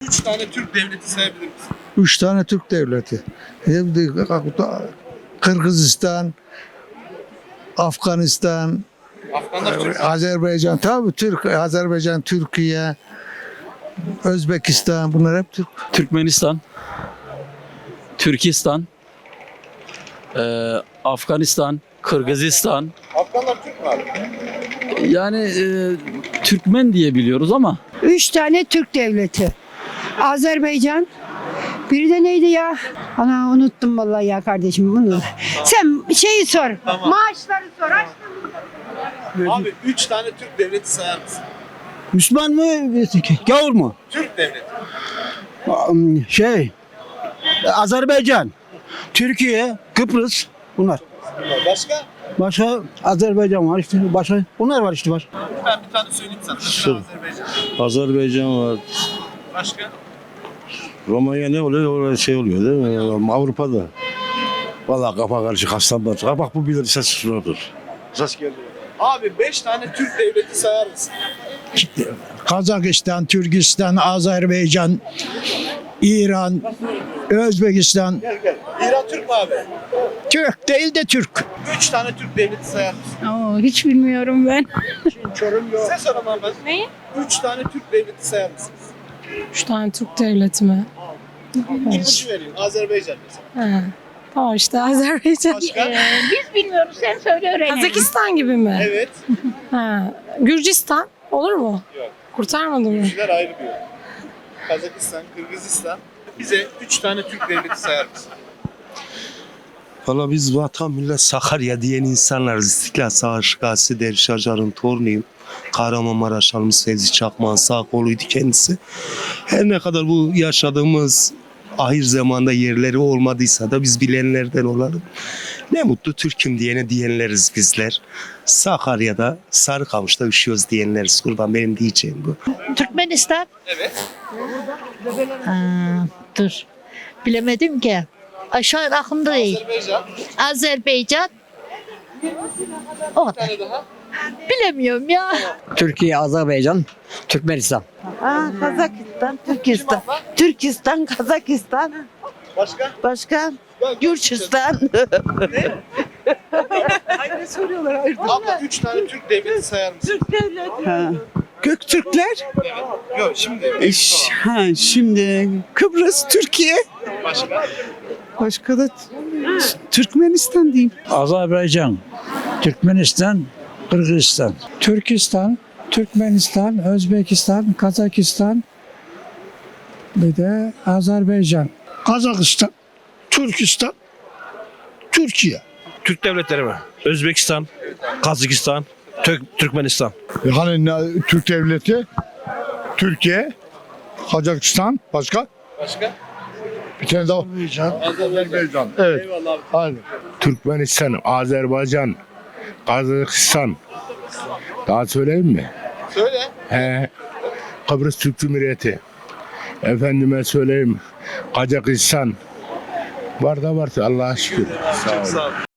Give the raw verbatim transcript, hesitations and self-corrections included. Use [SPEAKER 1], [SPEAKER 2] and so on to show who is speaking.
[SPEAKER 1] üç tane Türk devleti sayabilir misin?
[SPEAKER 2] Üç tane Türk devleti. Kırgızistan, Afganistan,
[SPEAKER 1] Afganlar Türk.
[SPEAKER 2] Azerbaycan, tabii Türk, Azerbaycan, Türkiye, Özbekistan, bunlar hep Türk.
[SPEAKER 3] Türkmenistan, Türkistan, e, Afganistan, Kırgızistan.
[SPEAKER 1] Afganlar Türk mü abi?
[SPEAKER 3] Yani e, Türkmen diye biliyoruz ama
[SPEAKER 4] Üç tane Türk devleti. Azerbaycan. Biri de neydi ya? Ana unuttum vallahi ya kardeşim bunu. Sen şeyi sor.
[SPEAKER 1] Tamam.
[SPEAKER 4] Maaşları sor.
[SPEAKER 1] Abi üç tane Türk devleti sayar mısın?
[SPEAKER 5] Müslüman mı? Gavur mu?
[SPEAKER 1] Türk devleti.
[SPEAKER 5] Şey, Azerbaycan, Türkiye, Kıbrıs bunlar.
[SPEAKER 1] Bunlar. Başka?
[SPEAKER 5] Başka Azerbaycan var işte. Başka bunlar var işte var.
[SPEAKER 1] Ben bir tane söyleyeyim sana. Mesela Azerbaycan.
[SPEAKER 6] Azerbaycan var.
[SPEAKER 1] Başka?
[SPEAKER 6] Romanya ne oluyor? Orada şey oluyor değil mi? Avrupa'da. Vallahi kafa karışık hastalar. Ha bak bu bilir ses şunadır. Ses geldi.
[SPEAKER 1] Abi beş tane Türk devleti sayar mısın?
[SPEAKER 2] Kazakistan, Türkistan, Azerbaycan, İran, Özbekistan.
[SPEAKER 1] Gel gel. İran Türk mü abi?
[SPEAKER 2] Türk değil de Türk.
[SPEAKER 1] Üç tane Türk devleti sayar mısın?
[SPEAKER 4] Oo, hiç bilmiyorum ben.
[SPEAKER 1] Size soramam ben.
[SPEAKER 7] Neyi?
[SPEAKER 1] Üç tane Türk devleti sayar mısınız?
[SPEAKER 7] Üç tane Türk devleti mi?
[SPEAKER 1] İpucu vereyim. Azerbaycan mesela.
[SPEAKER 7] Ha. Tamam işte Azerbaycan.
[SPEAKER 1] Başka?
[SPEAKER 4] Biz bilmiyoruz, sen söyle öğrenelim.
[SPEAKER 7] Kazakistan gibi mi?
[SPEAKER 1] Evet.
[SPEAKER 7] Ha. Gürcistan olur mu?
[SPEAKER 1] Yok.
[SPEAKER 7] Kurtarmadı mı?
[SPEAKER 1] Üçler ayrı bir yol. Kazakistan, Kırgızistan. Bize üç tane Türk devleti sayar mısın?
[SPEAKER 6] Valla biz vatan millet Sakarya diyen insanlarız. İstiklal Savaşı Gazisi Derviş Acar'ın torunuyum. Kahramanmaraş almış Fevzi Çakmak'ın sağ koluydu kendisi. Her ne kadar bu yaşadığımız ahir zamanda yerleri olmadıysa da biz bilenlerden olalım. Ne mutlu Türk'üm diyene diyenleriz bizler. Sakarya'da Sarıkamış'ta üşüyoruz diyenleriz. Kurban benim diyeceğim bu.
[SPEAKER 8] Türkmenistan.
[SPEAKER 1] Evet.
[SPEAKER 8] Ha, dur. Bilemedim ki. Aşağı aklımda değil.
[SPEAKER 1] Azerbaycan.
[SPEAKER 8] Azerbaycan. O
[SPEAKER 1] Bir
[SPEAKER 8] kadar.
[SPEAKER 1] tane daha.
[SPEAKER 8] Bilemiyorum ya.
[SPEAKER 5] Türkiye, Azerbaycan, Türkmenistan.
[SPEAKER 9] Aa, Kazakistan,
[SPEAKER 1] Kim
[SPEAKER 9] Türkistan.
[SPEAKER 1] abla?
[SPEAKER 9] Türkistan, Kazakistan.
[SPEAKER 1] Başka?
[SPEAKER 9] Başka? Gürcistan.
[SPEAKER 1] Abla üç tane Türk devleti sayar mısın?
[SPEAKER 9] Ha. Göktürkler.
[SPEAKER 1] Yok şimdi.
[SPEAKER 9] E, ş- ha, şimdi Kıbrıs, Türkiye.
[SPEAKER 1] Başka?
[SPEAKER 9] Başka da T- Türkmenistan diyeyim.
[SPEAKER 2] Azerbaycan, Türkmenistan, Kırgızistan, Türkistan, Türkmenistan, Özbekistan, Kazakistan, bir de Azerbaycan. Kazakistan, Türkistan, Türkiye.
[SPEAKER 10] Türk devletleri mi? Özbekistan, Kazakistan, Türk, Türkmenistan.
[SPEAKER 2] Hani ne- Türk devleti, Türkiye, Kazakistan, başka?
[SPEAKER 1] Başka?
[SPEAKER 2] Bir tane daha. Azerbaycan. Evet.
[SPEAKER 1] Eyvallah abi.
[SPEAKER 2] Hadi.
[SPEAKER 6] Türkmenistan, Azerbaycan, Kazakistan. Daha söyleyeyim mi?
[SPEAKER 1] Söyle.
[SPEAKER 6] He. Kıbrıs Türk Cumhuriyeti. Efendime söyleyeyim. Kazakistan. Var da var Allah'a şükür.
[SPEAKER 1] Çok sağ ol.